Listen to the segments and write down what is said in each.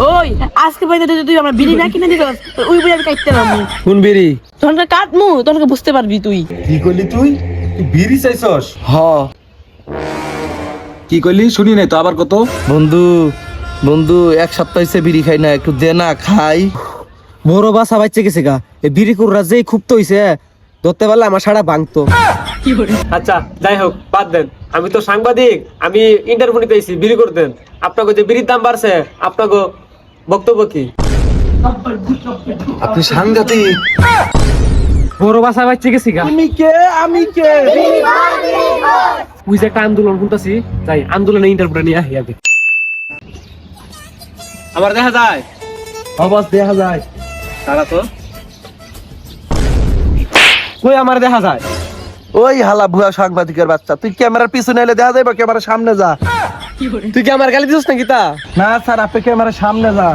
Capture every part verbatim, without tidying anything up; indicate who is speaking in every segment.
Speaker 1: ওই আজকে বাইরে তুই আমরা বিড়ি না কিনে দিস ওই বিড়ি আমি কাটতে পারবো।
Speaker 2: কোন বিড়ি?
Speaker 1: তখন কাটমু তখন বুঝতে পারবি তুই।
Speaker 2: কি করলি তুই? তুই বিড়ি চাইছস? হ।
Speaker 3: কি করলি শুনি নাই তো, আবার কত?
Speaker 2: বন্ধু বন্ধু এক সপ্তাহ হয়েছে বিড়ি খাই না, একটু দে না খাই। বড় বাসা বাচ্চা গেছে গা, এই বিড়ি কুড়রা যেই খুব তো হইছে ধরতে পারলে আমার সারা ভাঙতো।
Speaker 4: আচ্ছা যাই হোক বাদ দেন, আমি তো সাংবাদিক, আমি ইন্টারভিউ নিতে এসেছি বিড়ি করতেন। আপনাকে যে বিড়ির দাম বাড়ছে, আপনাকে বক্তব্য কি?
Speaker 3: আপনি সাংঘাতিক।
Speaker 4: বড় বাসা বাচ্চা গেছি গা,
Speaker 2: আমি কে আমি কে
Speaker 4: ওই যে একটা আন্দোলন শুনতেছি, যাই আন্দোলনে ইন্টারভিউটা নিয়ে আহি আগে। আমার দেখা যায়
Speaker 2: অবস দেখা যায়।
Speaker 4: তারা তো কই আমার দেখা যায়?
Speaker 2: ওই হালা ভুয়া সাংবাদিকের বাচ্চা, তুই ক্যামেরার পিছনে এলে দেখা যায় বা ক্যামেরার সামনে যা।
Speaker 4: তুই কি আমার গালি দিস নাকি? তা
Speaker 2: না স্যার, আপনি ক্যামেরার সামনে যান।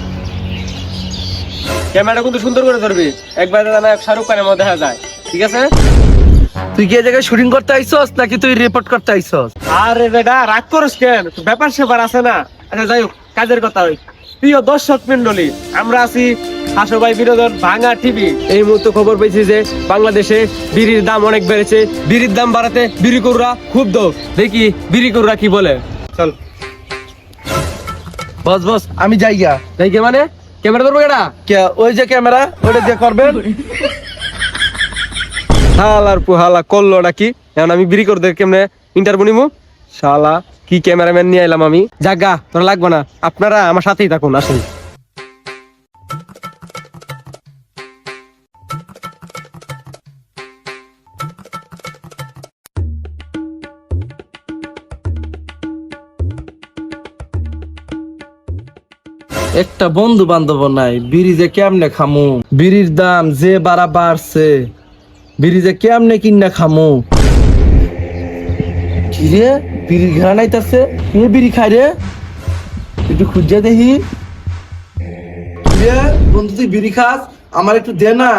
Speaker 4: ক্যামেরাটা কিন্তু সুন্দর করে ধরবি, একবার জানা শাহরুখ খানের মধ্যে দেখা যায়, ঠিক আছে?
Speaker 2: তুই কি এই জায়গায় শুটিং করতে আইছস নাকি তুই রিপোর্ট করতে আইছস?
Speaker 4: আরে বেটা রাগ করিস কেন, ব্যাপার সেবার আছে না। আচ্ছা যাই হোক, কাজের কথা হই। প্রিয় দর্শক মন্ডলী, আমরা আছি হাসো ভাই বিনোদন ভাঙা টিভি। এই মুহূর্তে খবর পেয়েছি যে বাংলাদেশে বিড়ির দাম অনেক বেড়েছে। বিড়ির দাম বাড়াতে বিড়ি কুররা ক্ষুব্ধ। দেখি বিড়ি কুররা কি বলে। চল
Speaker 2: বস বস আমি যাই গা।
Speaker 4: যাই কে মানে ক্যামেরা ধরবো কেটা?
Speaker 2: কে ওই যে ক্যামেরা ওটা দিয়ে করবেন।
Speaker 4: হালার পুহালা করলো নাকি? এখন আমি বিড়ি করতে কেমনে ইন্টারভিউ নিবো? শালা কি ক্যামেরাম্যান নিয়ে এলাম আমি। জাগা তোরা লাগবে না, আপনারা আমার সাথেই থাকুন, আসুন।
Speaker 2: একটা বন্ধু বান্ধব নাই, বিড়ি যে কেমনে খামু, বিড়ির দাম যে বাড়া বাড়ছে, বিড়ি যে কেমনে কিনা খামু। কি রে বিড়ির ঘেরা নাইতাছে, কে বিড়ি খাই রে? একটু খুঁজে দেখি। কি রে বন্ধু তুই বিড়ি খাস, আমার একটু দে না।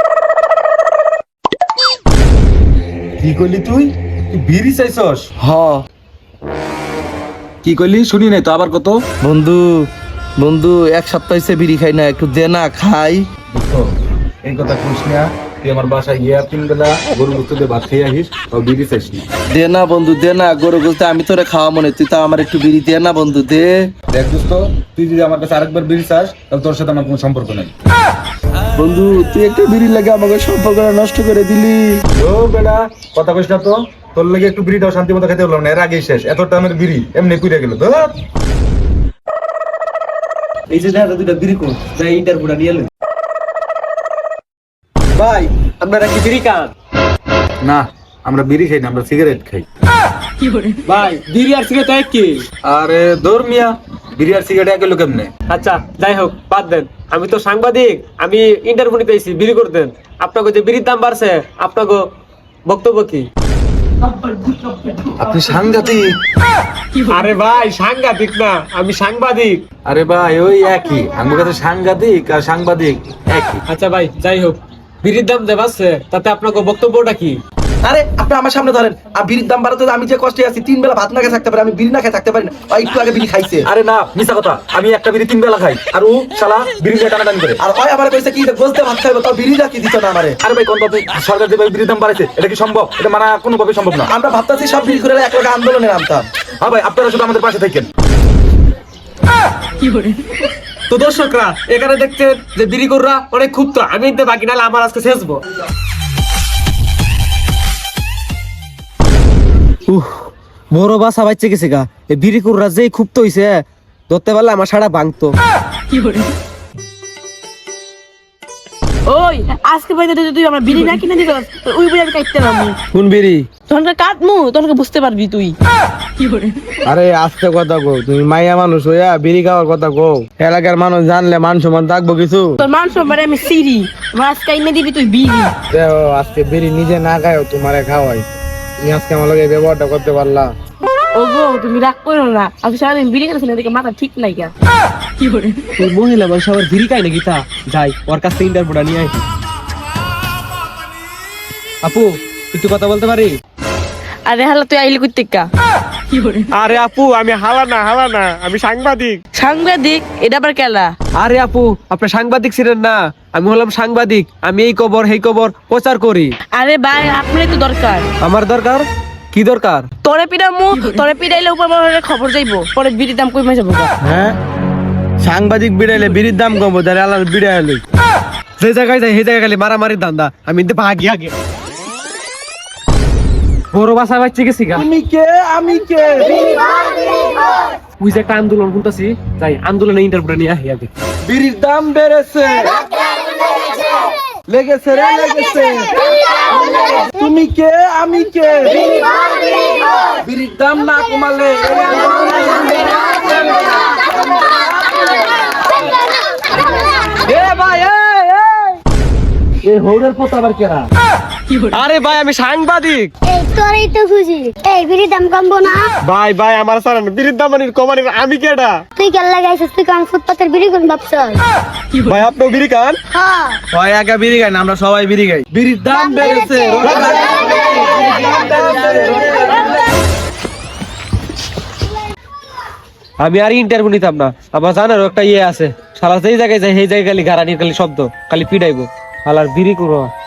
Speaker 3: কি করলি তুই? তুই বিড়ি চাইছস?
Speaker 2: হ।
Speaker 3: কি করলি শুনি নাই তো, আবার কত?
Speaker 2: বন্ধু বন্ধু এক সপ্তাহ হয়েছে বিড়ি খাই না, একটু দে না খাই।
Speaker 3: দেখো এই কথা কইস না, তুই আমার বাসায় গিয়া তিন বেলা গরু গোস্ত দিয়ে ভাত খেয়ে আসিস, তাও বিড়ি চাইস না।
Speaker 2: দে না বন্ধু দে না, গরু গোস্ত আমি তোরে খাওয়া মনে, তুই তো আমার একটু বিড়ি দে না বন্ধু দে।
Speaker 3: দেখ দোস্ত, তুই যদি আমার কাছে আরেকবার বিড়ি চাস তাহলে তোর সাথে আমার কোনো সম্পর্ক নেই।
Speaker 2: বন্ধু তুই একটা বিড়ি লাগে আমাকে সম্পর্ক নষ্ট করে দিলি।
Speaker 3: ও বেটা কথা কইস না তো, তোর লাগে একটু বিড়িটাও শান্তি মতো খেতে হলো না, এর আগেই শেষ। এত টাইমের বিড়ি এমনি কুইরা গেল তো।
Speaker 4: এই যে দেখা দুইটা বিড়ি কোন যাই ইন্টারভিউটা নিয়ে এলেন। ভাই আপনারা কি বিড়ি খান?
Speaker 3: না আমরা বিড়ি খাই না, আমরা সিগারেট খাই।
Speaker 4: ভাই বিড়ি আর সিগারেট এক কি?
Speaker 3: আরে দৌড় মিয়া, বিড়ি আর সিগারেট এক হলো কেমনে?
Speaker 4: আচ্ছা যাই হোক বাদ দেন, আমি তো সাংবাদিক, আমি ইন্টারভিউ নিতে এসেছি বিড়ি করতেন। আপনাকে যে বিড়ির দাম বাড়ছে, আপনাকে বক্তব্য কি?
Speaker 3: আপনি সাংঘাতিক।
Speaker 4: আরে ভাই সাংঘাতিক না, আমি সাংবাদিক।
Speaker 3: আরে ভাই ওই একই, আমার কাছে সাংঘাতিক আর সাংবাদিক একই।
Speaker 4: আচ্ছা ভাই যাই হোক, বিড়ির দাম যে বাড়ছে তাতে আপনাকে বক্তব্যটা কি?
Speaker 2: আরে আপনি আমার সামনে ধরেন, আর বিড়ির দাম বাড়াতে আমি যে কষ্টে আছি, তিন বেলা ভাত না খেয়ে থাকতে পারি, আমি বিড়ি না খেয়ে থাকতে পারি না। ওই একটু আগে বিড়ি খাইছে।
Speaker 3: আরে না মিছা কথা, আমি একটা বিড়ি তিন বেলা খাই, আর ও শালা বিড়ি দিয়ে টানাটানি করে।
Speaker 2: আর ওই আমার কইছে কি গোস্তে ভাত খাইবো, তাও বিড়িটা কি দিত না আমারে।
Speaker 3: আরে ভাই কোন ভাবে সরকার যেভাবে বিড়ির দাম বাড়াইছে, এটা কি সম্ভব? এটা মানা কোনোভাবে সম্ভব না।
Speaker 2: আমরা ভাবতাছি সব বিড়ি করে এক লগে আন্দোলনে নামতাম।
Speaker 3: হ্যাঁ ভাই আপনারা শুধু আমাদের পাশে থাকেন।
Speaker 4: তো দর্শকরা এখানে দেখছেন যে বিড়ি কররা অনেক ক্ষুব্ধ, আমি নিতে বাকি নাহলে আমার আজকে শেষবো।
Speaker 2: উহ বড় বাসা বাচ্চা গেছে গা, এই বিড়ি কুড়রা যেই খুব তো হইছে ধরতে পারলে আমার সারা ভাঙতো।
Speaker 1: ওই আজকে বাইরে তুই আমরা বিড়ি না কিনে দিস ওই বিড়ি আমি কাটতে পারবো।
Speaker 2: কোন বিড়ি?
Speaker 1: তখন কাটমু তখন বুঝতে পারবি তুই।
Speaker 2: আরে আজকে কথা কো, তুমি মাইয়া মানুষ হইয়া বিড়ি খাওয়ার কথা কো, এলাকার মানুষ জানলে মান সম্মান থাকবো কিছু?
Speaker 1: তোর মান সম্মানে আমি সিরি, আমার আজকে এনে দিবি তুই বিড়ি।
Speaker 2: দেখো আজকে বিড়ি নিজে না খাও তোমারে খাওয়াই, তুমি আজকে আমার লগে ব্যবহারটা করতে পারলা।
Speaker 1: ও গো তুমি রাগ করো না, আমি সারাদিন বিড়ি খাচ্ছি না, দেখে মাথা ঠিক নাই গা।
Speaker 4: ওই মহিলা মানুষ আবার বিড়ি খায় নাকি? তা যাই ওর কাছ থেকে ইন্টারভিউটা নিয়ে আসি। আপু একটু কথা বলতে পারি?
Speaker 1: আরে হালা তুই আইলি কইতে কা?
Speaker 4: আরে আপু আমি হালা না হালা না আমি সাংবাদিক।
Speaker 1: সাংবাদিক এটা আবার কেলা?
Speaker 4: আরে আপু আপনি সাংবাদিক ছিলেন না, আমি হলাম সাংবাদিক। আমি এই খবর এই খবর প্রচার করি।
Speaker 1: আরে ভাই আপনারই তো দরকার।
Speaker 4: আমার দরকার কি দরকার?
Speaker 1: তোরে পিটামু, তোরে পিটাইলে উপর মহলের খবর যাইবো, পরে বিড়ির দাম কমে যাবো।
Speaker 2: হ্যাঁ সাংবাদিক বিড়াইলে বিড়ির দাম কমবো, তাহলে আল্লাহ বিড়াইলে
Speaker 4: যে জায়গায় যাই সেই জায়গায় খালি মারামারির ধান্দা। আমি কিন্তু ভাগি আগে বড় বাসা বাচ্চা গেছি গা।
Speaker 2: আমি কে আমি কে
Speaker 4: ওই যে একটা আন্দোলন শুনতেছি, যাই আন্দোলনে ইন্টারভিউ নিয়ে আহি আগে।
Speaker 2: বিড়ির দাম বেড়েছে, লেগেছে রে লেগেছে। তুমি কে আমি কে, বিড়ির দাম না কমালে
Speaker 4: এ ভাই এ হৌরের পোতা আবার কেরা? আরে ভাই আমি সাংবাদিক।
Speaker 5: এই তোরই তো খুশি। এই বিড়ির দাম কমবো না?
Speaker 4: ভাই ভাই আমার সারা বিড়ির দাম মানির কমানির আমি কেডা?
Speaker 5: তুই কেন লাগাইছিস? তুই কারণ ফুটপাতের বিড়ি কোন ভাবছ?
Speaker 4: ভাই আপনিও বিড়ি খান?
Speaker 5: হ্যাঁ
Speaker 2: হয় একা বিড়ি খাই না, আমরা সবাই বিড়ি খাই। বিড়ির দাম বেড়েছে,
Speaker 4: আমি আর ইন্টারভিউ নিতাম না। আমার জানার একটা ইয়ে আছে, সারা যেই জায়গায় যাই সেই জায়গায় খালি গাড়ানির খালি শব্দ, খালি পিটাইবো। হালার বিড়ি করো